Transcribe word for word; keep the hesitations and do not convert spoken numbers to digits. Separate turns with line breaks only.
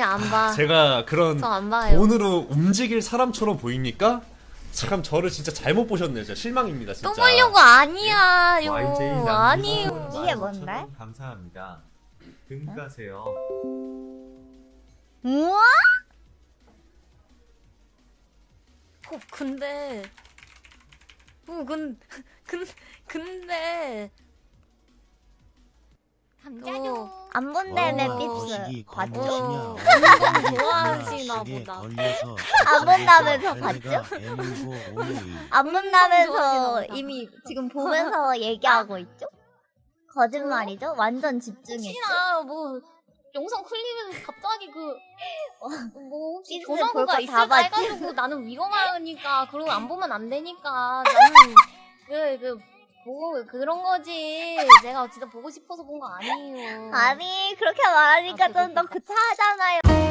안 봐.
제가 그런
저 안 봐요.
돈으로 움직일 사람처럼 보입니까? 참 저를 진짜 잘못 보셨네요. 진짜 실망입니다. 진짜.
또 보려고 아니야. 요
와이제이
아니요.
이게 뭔데?
감사합니다. 등 가세요.
우와?
어, 근데 어, 근, 근, 근데
감자도 안 본다며 삐스 봤죠?
어,
완전
좋아하시나 보다.
안 본다면서 봤죠?
봤죠?
안 본다면서
좋아하시나
이미 지금 보면서 얘기하고 있죠? 거짓말이죠? 완전 집중했죠?
혹시나 뭐 영상 클립에서 갑자기 그 뭐 혹시
삐스
전화구가
볼거 다
있을까
봤지?
해가지고 나는 위험하니까 그러고 안 보면 안 되니까 나는 그 그 뭐 그런 거지. 내가 진짜 보고 싶어서 본 거 아니에요.
아니 그렇게 말하니까
아, 그거
좀 더 구차하잖아요.